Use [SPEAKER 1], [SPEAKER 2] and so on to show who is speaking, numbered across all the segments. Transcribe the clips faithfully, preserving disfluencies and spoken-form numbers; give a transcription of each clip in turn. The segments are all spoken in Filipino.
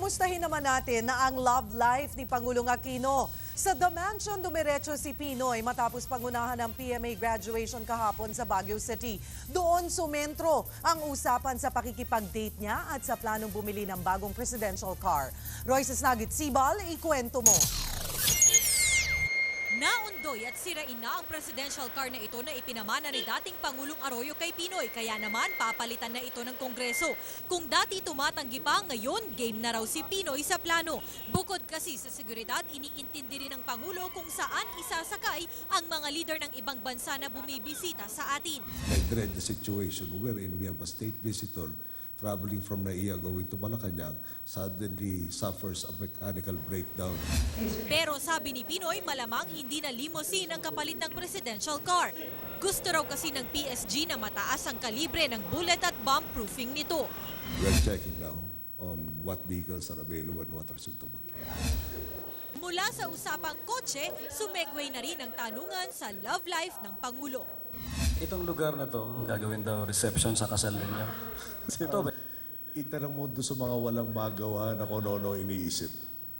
[SPEAKER 1] Kumustahin naman natin na ang love life ni Pangulong Aquino. Sa The Mansion, dumiretso si Pinoy matapos pangunahan ng P M A graduation kahapon sa Baguio City. Doon sumentro ang usapan sa pakikipag-date niya at sa planong bumili ng bagong presidential car. Royce Snagit Sibal, ikwento mo.
[SPEAKER 2] Naundoy at sirain na ang presidential car na ito na ipinamana ni dating Pangulong Arroyo kay Pinoy. Kaya naman papalitan na ito ng Kongreso. Kung dati tumatanggi pa, ngayon game na raw si Pinoy sa plano. Bukod kasi sa seguridad, iniintindi rin ng Pangulo kung saan isasakay ang mga leader ng ibang bansa na bumibisita sa atin.
[SPEAKER 3] I dread the situation wherein we have a state visitor traveling from Naiya going to Malacanang suddenly suffers a mechanical breakdown.
[SPEAKER 2] Pero sabi ni Pinoy, malamang hindi na limousine ang kapalit ng presidential car. Gusto raw kasi ng P S G na mataas ang kalibre ng bullet at bomb proofing nito.
[SPEAKER 3] We are checking now on what vehicles are available and what are suitable.
[SPEAKER 2] Mula sa usapang kotse, sumegway na rin ang tanungan sa love life ng Pangulo.
[SPEAKER 4] Itong lugar na to, gagawin daw reception sa kasal ninyo. Ito ba?
[SPEAKER 3] Itanong mo doon sa mga walang magawa na kung ano iniisip.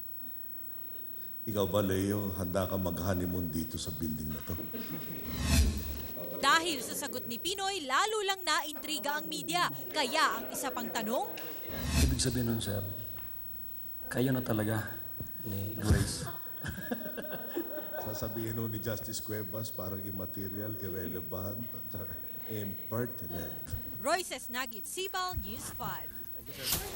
[SPEAKER 3] Ikaw ba, Leo, handa ka mag-honeymoon dito sa building na to?
[SPEAKER 2] Dahil sa sagot ni Pinoy, lalo lang naintriga ang media. Kaya ang isa pang tanong,
[SPEAKER 4] Ibig sabihin nun, sir, kayo na talaga ni Grace.
[SPEAKER 3] Sasabihin nun ni Justice Cuevas, parang immaterial, irrelevant, impertinent.
[SPEAKER 2] Royce Snagit, Sibal, News five.